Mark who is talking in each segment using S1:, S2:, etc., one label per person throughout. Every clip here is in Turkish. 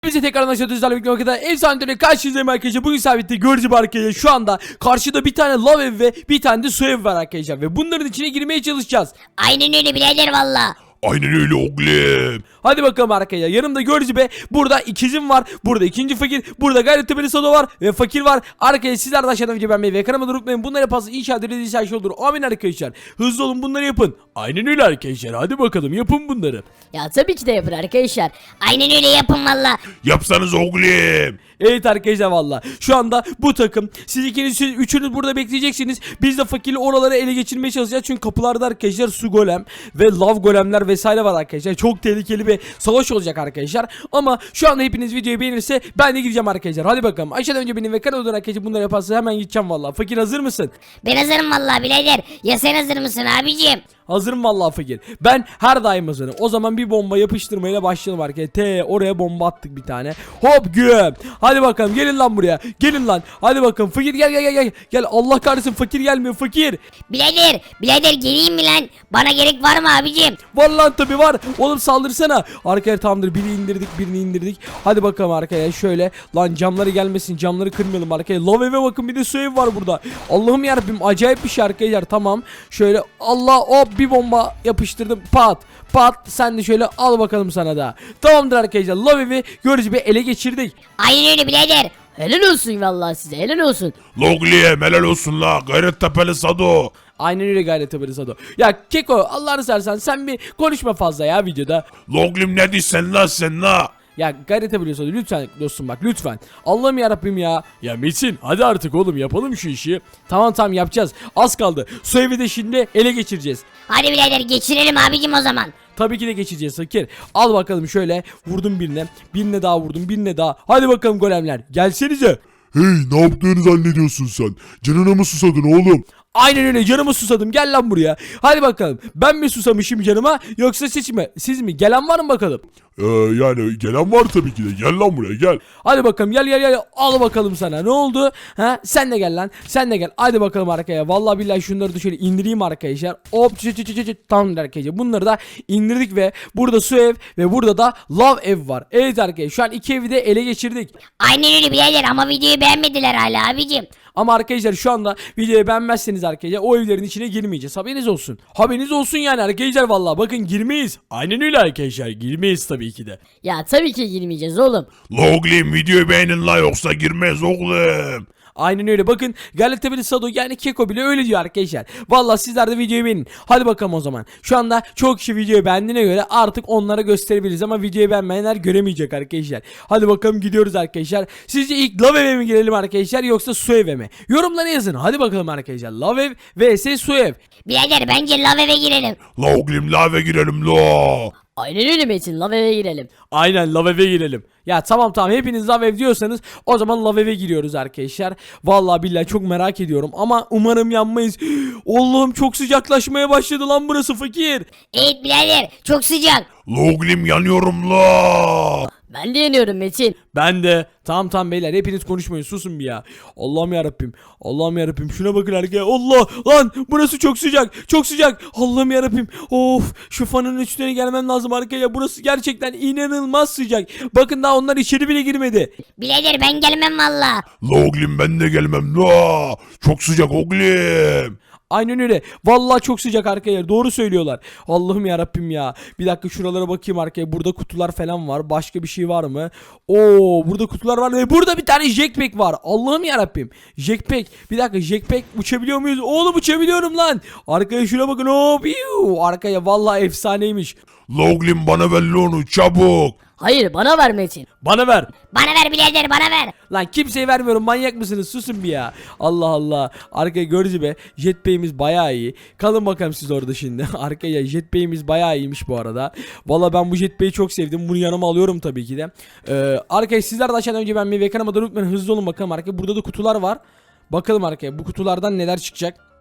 S1: Bize tekrardan aşağıda bir vakıda efsane karşınızdayım arkadaşlar. Bugün sabit'te gördüğüm arkadaşlar şu anda karşıda bir tane lav ev ve bir tane de su ev var arkadaşlar. Ve bunların içine girmeye çalışacağız.
S2: Aynen öyle birader valla.
S3: Aynen öyle oğlum.
S1: Hadi bakalım arkadaşlar. Yanımda gördüğünüz gibi burada ikizim var. Burada ikinci fakir. Burada Gayrettepe'li Sado var. Ve fakir var. Arkadaşlar sizler de aşağıdan video beğenmeyi ve kanalıma unutmayın. Bunları yaparsanız inşallah dediğiniz her şey olur. Amin arkadaşlar. Hızlı olun, bunları yapın. Aynen öyle arkadaşlar. Hadi bakalım yapın bunları.
S2: Ya tabii ki de yapın arkadaşlar. Aynen öyle yapın valla.
S3: Yapsanız oğlum.
S1: Evet arkadaşlar valla. Şu anda bu takım. Siz ikiniz, üçünüz burada bekleyeceksiniz. Biz de fakirli oraları ele geçirmeye çalışacağız. Çünkü kapılarda arkadaşlar su golem ve lav golemler vesaire var arkadaşlar. Çok tehlikeli bir savaş olacak arkadaşlar. Ama şu anda hepiniz videoyu beğenirse ben de gideceğim arkadaşlar. Hadi bakalım. Aşağıdan önce benim ve kanalıdan arkadaşlar bunları yaparsa hemen gideceğim valla. Fakir hazır mısın?
S2: Ben hazırım valla birader. Ya sen hazır mısın abicim?
S1: Hazırım vallahi fakir. Ben her daim hazırım. O zaman bir bomba yapıştırmayla başlayalım arkadaşlar. Oraya bomba attık bir tane. Hop güm. Hadi bakalım gelin lan buraya. Gelin lan. Hadi bakalım fakir gel. Gel Allah kahretsin fakir gelmiyor fakir.
S2: Birader geleyim mi lan? Bana gerek var mı abicim?
S1: Var lan tabi var. Oğlum saldırsana. Arkaya tamamdır, birini indirdik. Hadi bakalım arkaya şöyle. Lan camları gelmesin, camları kırmayalım arkaya. Lav eve bakın, bir de su ev var burada. Allah'ım yarabbim, acayip bir şey arkadaşlar. Tamam şöyle Allah hop bir bomba yapıştırdım, pat sen de şöyle al bakalım sana da. Tamamdır arkadaşlar, lav evi görücü bir ele geçirdik.
S2: Aynen öyle birader. Helal olsun valla size, helal olsun.
S3: Oğlum helal olsun la. Gayrettepe'li Sado.
S1: Aynen öyle Gayrettepe'li Sado. Ya Keko Allah'ını seversen sen bir konuşma fazla ya videoda.
S3: Oğlum ne diyorsun la sen la?
S1: Ya Gayrettepe'li Sado lütfen dostum, bak lütfen. Allah'ım yarabbim ya. Ya Metin hadi artık oğlum yapalım şu işi. Tamam yapacağız. Az kaldı. Su evi de şimdi ele geçireceğiz.
S2: Hadi birader geçirelim abicim o zaman.
S1: Tabii ki de geçeceğiz fakir. Al bakalım şöyle. Vurdum birine. Birine daha vurdum. Birine daha. Hadi bakalım golemler. Gelsenize.
S3: Hey, ne yaptığını zannediyorsun sen? Canına mı susadın oğlum?
S1: Aynen öyle, canımı susadım. Gel lan buraya. Hadi bakalım. Ben mi susamışım canıma yoksa siz mi? Gelen var mı bakalım?
S3: Yani gelen var tabii ki de. Gel lan buraya gel.
S1: Hadi bakalım gel. Al bakalım sana. Ne oldu? Ha? Sen de gel lan. Sen de gel. Hadi bakalım arkaya. Vallahi billahi şunları da şöyle indireyim arkadaşlar. Hop tamam arkadaşlar. Bunları da indirdik ve burada su ev ve burada da lav ev var. Evet arkadaşlar, şu an iki evi de ele geçirdik.
S2: Aynen öyle birader ama videoyu beğenmediler hala abicim.
S1: Ama arkadaşlar şu anda videoyu beğenmezseniz arkadaşlar o evlerin içine girmeyeceğiz. Haberiniz olsun. Haberiniz olsun yani arkadaşlar, vallahi bakın girmeyiz. Aynen öyle arkadaşlar, girmeyiz tabii ki de.
S2: Ya tabii ki girmeyeceğiz oğlum.
S3: Oğlum videoyu beğenin la, yoksa girmez oğlum.
S1: Aynen öyle, bakın Gayrettepe'li Sado yani Keko bile öyle diyor arkadaşlar. Vallahi sizler de videoyu beğenin. Hadi bakalım o zaman. Şu anda çok kişi videoyu beğendiğine göre artık onlara gösterebiliriz ama videoyu beğenmeyenler göremeyecek arkadaşlar. Hadi bakalım gidiyoruz arkadaşlar. Sizce ilk lav eve mi girelim arkadaşlar yoksa su eve mi? Yorumlara yazın. Hadi bakalım arkadaşlar. Lav ev vs su ev.
S2: Birader bence lav eve girelim.
S3: Oğlum lave girelim la.
S2: Aynen öyle Metin, lav eve girelim.
S1: Aynen lav eve girelim. Ya tamam hepiniz lav ev diyorsanız o zaman lav eve giriyoruz arkadaşlar. Vallahi billahi çok merak ediyorum ama umarım yanmayız. Allah'ım çok sıcaklaşmaya başladı lan burası fakir.
S2: Evet birader çok sıcak.
S3: Oğlum yanıyorum la.
S2: Ben de yanıyorum Metin.
S1: Ben de. Tamam beyler, hepiniz konuşmayın, susun bir ya. Allah'ım yarabbim şuna bakın arkadaşlar. Allah lan, burası çok sıcak. Allah'ım yarabbim. Of, şu fanın üstüne gelmem lazım arkadaşlar. Burası gerçekten inanılmaz sıcak. Bakın daha onlar içeri bile girmedi.
S2: Birader ben gelmem valla.
S3: Oğlum ben de gelmem la. Çok sıcak oğlum.
S1: Aynen öyle. Vallahi çok sıcak arkadaşlar. Doğru söylüyorlar. Allah'ım yarabbim ya. Bir dakika şuralara bakayım arkaya. Burada kutular falan var. Başka bir şey var mı? Oo, burada kutular var ve burada bir tane jetpack var. Allah'ım yarabbim. Jetpack. Bir dakika, jetpack uçabiliyor muyuz? Oğlum uçabiliyorum lan. Arkaya şuna bakın. Hop. Arkaya vallahi efsaneymiş.
S3: Oğlum bana ver onu çabuk.
S2: Hayır bana ver Metin.
S1: Bana ver.
S2: Bana ver birader bana ver.
S1: Lan kimseye vermiyorum, manyak mısınız? Susun bir ya. Allah. Arkaya gördüğünüz gibi jetpack'imiz bayağı iyi. Kalın bakalım siz orada şimdi. Arkaya jetpack'imiz bayağı iyiymiş bu arada. Valla ben bu jetpack'i çok sevdim. Bunu yanıma alıyorum tabii ki de. Arkaya sizler de aşağıdan önce ben bir kanalıma da unutmayın. Hızlı olun bakalım arkaya. Burada da kutular var. Bakalım arkaya bu kutulardan neler çıkacak.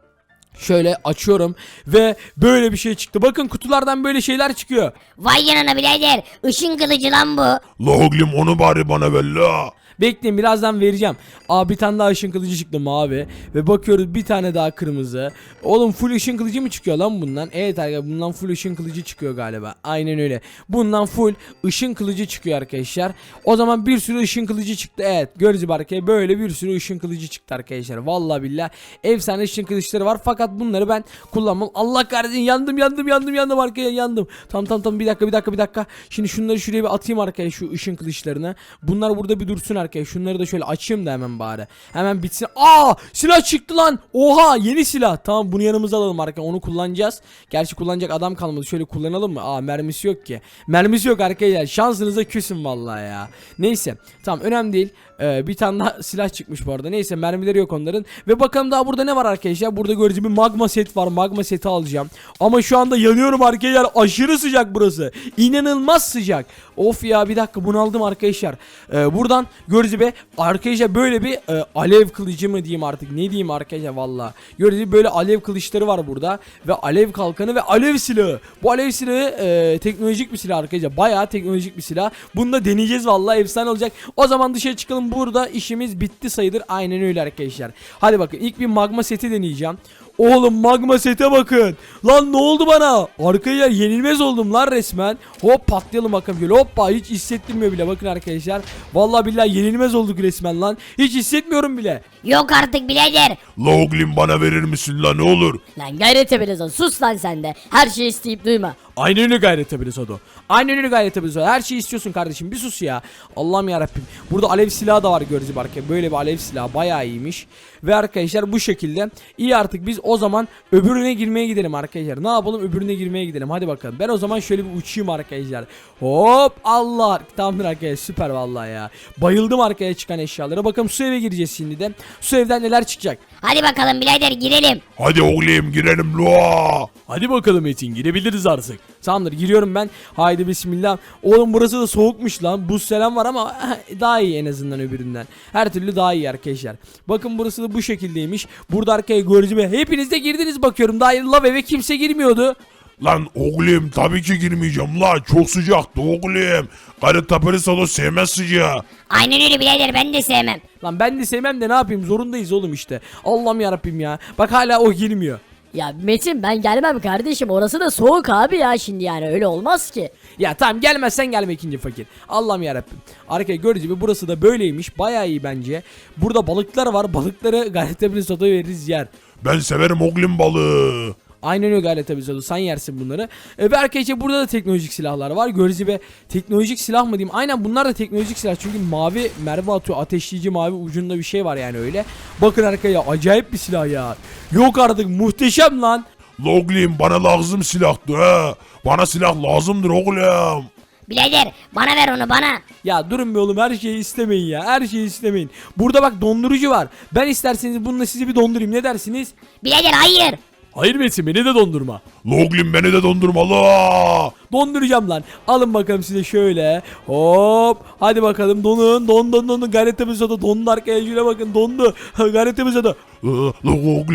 S1: Şöyle açıyorum ve böyle bir şey çıktı. Bakın kutulardan böyle şeyler çıkıyor.
S2: Vay canına birader. Işın kılıcı lan bu.
S3: La oğlum onu bari bana ver la.
S1: Bekleyin birazdan vereceğim. Aa bir tane daha ışın kılıcı çıktı mavi. Ve bakıyoruz bir tane daha kırmızı. Oğlum full ışın kılıcı mı çıkıyor lan bundan? Evet arkadaşlar bundan full ışın kılıcı çıkıyor galiba. Aynen öyle. Bundan full ışın kılıcı çıkıyor arkadaşlar. O zaman bir sürü ışın kılıcı çıktı. Evet gördüğünüz gibi arkadaşlar böyle bir sürü ışın kılıcı çıktı arkadaşlar. Vallahi billahi efsane ışın kılıçları var. Fakat bunları ben kullanmam. Allah kahretsin yandım arkadaşlar yandım. Tamam bir dakika. Şimdi şunları şuraya bir atayım arkadaşlar şu ışın kılıçlarını. Bunlar burada bir dursun arkadaşlar. Şunları da şöyle açayım da hemen bari. Hemen bitsin. Aa silah çıktı lan. Oha yeni silah. Tamam bunu yanımıza alalım arkadaşlar. Onu kullanacağız. Gerçi kullanacak adam kalmadı. Şöyle kullanalım mı? Aa mermisi yok ki. Mermisi yok arkadaşlar. Şansınıza küsün vallahi ya. Neyse. Tamam önemli değil. Bir tane daha silah çıkmış bu arada. Neyse mermileri yok onların. Ve bakalım daha burada ne var arkadaşlar. Burada göreceğim bir magma set var. Magma seti alacağım. Ama şu anda yanıyorum arkadaşlar. Aşırı sıcak burası. İnanılmaz sıcak. Of ya bir dakika bunu aldım arkadaşlar. Buradan göreceğim arkadaşlar böyle bir alev kılıcı mı diyeyim artık. Ne diyeyim arkadaşlar valla. Göreceğim böyle alev kılıçları var burada. Ve alev kalkanı ve alev silahı. Bu alev silahı teknolojik bir silah arkadaşlar. Bayağı teknolojik bir silah. Bunu da deneyeceğiz valla. Efsane olacak. O zaman dışarı çıkalım. Burada işimiz bitti sayılır. Aynen öyle arkadaşlar. Hadi bakın ilk bir magma seti deneyeceğim. Oğlum magma sete bakın. Lan ne oldu bana? Arkadaşlar yenilmez oldum lan resmen. Hop patlayalım bakalım böyle. Hoppa hiç hissettirmiyor bile bakın arkadaşlar. Vallahi billahi yenilmez olduk resmen lan. Hiç hissetmiyorum bile.
S2: Yok artık birader.
S3: La oğlum bana verir misin la ne olur?
S4: Lan Gayrettepe sus lan sen de. Her şeyi isteyip duyma.
S1: Aynen öyle Gayrettepe Sodo. Aynen öyle Gayrettepe Sodo. Her şeyi istiyorsun kardeşim bir sus ya. Allah'ım yarabbim. Burada alev silahı da var görücü barke. Böyle bir alev silahı bayağı iyiymiş. Ve arkadaşlar bu şekilde. İyi artık biz o zaman öbürüne girmeye gidelim arkadaşlar. Ne yapalım öbürüne girmeye gidelim. Hadi bakalım. Ben o zaman şöyle bir uçayım arkadaşlar. Hop Allah. Tamamdır arkadaşlar süper vallahi ya. Bayıldım arkaya çıkan eşyalara. Bakalım su eve gireceğiz şimdi de. Su evden neler çıkacak.
S2: Hadi bakalım birader girelim.
S3: Hadi oğlum girelim la.
S1: Hadi bakalım Metin girebiliriz artık. Tamamdır giriyorum ben. Haydi bismillah. Oğlum burası da soğukmuş lan. Buz selam var ama daha iyi en azından öbüründen. Her türlü daha iyi arkadaşlar. Bakın burası da bu şekildeymiş. Burada arkaya görücüme hepiniz de girdiniz bakıyorum. Daha lav eve kimse girmiyordu.
S3: Lan oğlum tabii ki girmeyeceğim la. Çok sıcaktı oğlum. Gayrettepe Sodo sevmez sıcağı.
S2: Aynen öyle birader ben de sevmem.
S1: Lan ben de sevmem de ne yapayım zorundayız oğlum işte. Allah'ım yarabbim ya. Bak hala o girmiyor.
S4: Ya Metin ben gelmem kardeşim, orası da soğuk abi ya, şimdi yani öyle olmaz ki.
S1: Ya tamam gelmezsen gelme ikinci fakir. Allah'ım yarabbim. Arkaya gördüğünüz gibi burası da böyleymiş. Bayağı iyi bence. Burada balıklar var. Balıkları Gayrettepe Sodo'ya veririz yer.
S3: Ben severim oğlum balığı.
S1: Aynen öyle Gayrettepe Sodo. Sen yersin bunları. Ve arkadaşlar burada da teknolojik silahlar var. Gördüğünüz gibi teknolojik silah mı diyeyim? Aynen bunlar da teknolojik silah. Çünkü mavi mermi atıyor. Ateşleyici mavi ucunda bir şey var yani öyle. Bakın arkaya acayip bir silah ya. Yok artık muhteşem lan.
S3: La oğlum bana lazım silahtı ha. Bana silah lazımdır oğlum.
S2: Birader bana ver onu bana.
S1: Ya durun be oğlum her şeyi istemeyin ya. Her şeyi istemeyin. Burada bak dondurucu var. Ben isterseniz bununla sizi bir dondurayım. Ne dersiniz?
S2: Birader hayır.
S1: Hayır Metin beni de dondurma.
S3: La oğlum beni de dondurma la.
S1: Donduracağım lan. Alın bakalım size şöyle. Hop. Hadi bakalım donun. Don. Gayrettepe Sodo dondu arkaya. Şöyle bakın dondu. Gayrettepe Sodo.
S3: La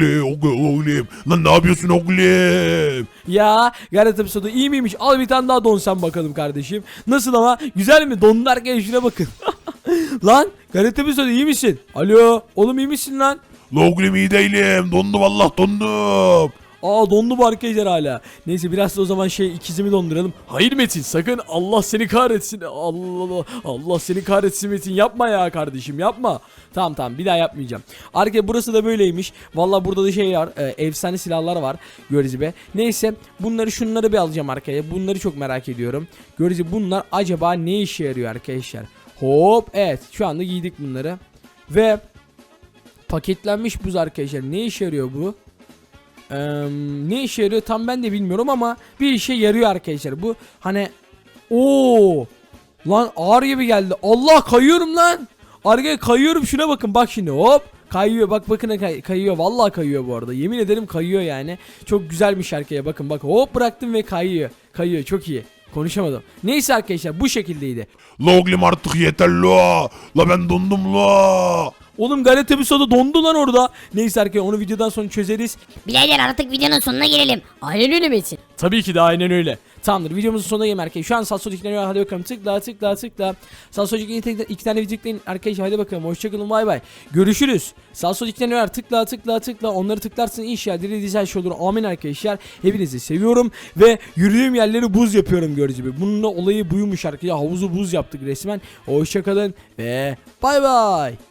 S3: oğlum. Lan ne yapıyorsun oğlum?
S1: Ya Gayrettepe Sodo iyi miymiş? Al bir tane daha don sen bakalım kardeşim. Nasıl ama? Güzel mi? Dondu arkaya şuna bakın. Lan Gayrettepe Sodo iyi misin? Alo. Oğlum iyi misin lan?
S3: La oğlum iyi değilim. Dondum Allah dondum.
S1: Aa dondu bu arkadaşlar hala. Neyse biraz da o zaman ikizimi donduralım. Hayır Metin sakın Allah seni kahretsin. Allah seni kahretsin Metin yapma ya kardeşim yapma. Tamam bir daha yapmayacağım. Arkadaşlar burası da böyleymiş. Valla burada da şey var efsane silahlar var. Gördüğünüz gibi. Neyse şunları bir alacağım arkaya. Bunları çok merak ediyorum. Gördüğünüz gibi bunlar acaba ne işe yarıyor arkadaşlar. Hop evet şu anda giydik bunları. Ve paketlenmiş buz arkadaşlar. Ne işe yarıyor bu? Ne işe yarıyor tam ben de bilmiyorum ama bir işe yarıyor arkadaşlar bu hani lan ağır gibi geldi. Allah kayıyorum lan. Arkaya kayıyorum şuna bakın bak şimdi hop kayıyor bakın kayıyor vallahi kayıyor bu arada yemin ederim kayıyor yani çok güzelmiş arkaya bakın hop bıraktım ve kayıyor çok iyi. Konuşamadım. Neyse arkadaşlar bu şekildeydi.
S3: La oğlum artık yeter la. La ben dondum la.
S1: Oğlum gayret tabi soda dondu lan orada. Neyse arkadaşlar onu videodan sonra çözeriz.
S2: Birader artık videonun sonuna gelelim.
S4: Aynen öyle Metin.
S1: Tabii ki de aynen öyle. Tamamdır videomuzun sonuna gelin arkadaşlar. Şu an sağ sol tıklanıyor. Hadi bakalım tıkla tıkla tıkla. Sağ sol iki tane video tıklayın arkadaşlar. Hadi bakalım hoşçakalın bay bay. Görüşürüz. Sağ sol tıklanıyor. Tıkla tıkla tıkla. Onları tıklarsın inşallah dilediğiniz her şey olur. Amin arkadaşlar. Hepinizi seviyorum. Ve yürüdüğüm yerleri buz yapıyorum gördüğünüz gibi. Bunun da olayı buymuş arkadaşlar. Havuzu buz yaptık resmen. Hoşçakalın ve bay bay.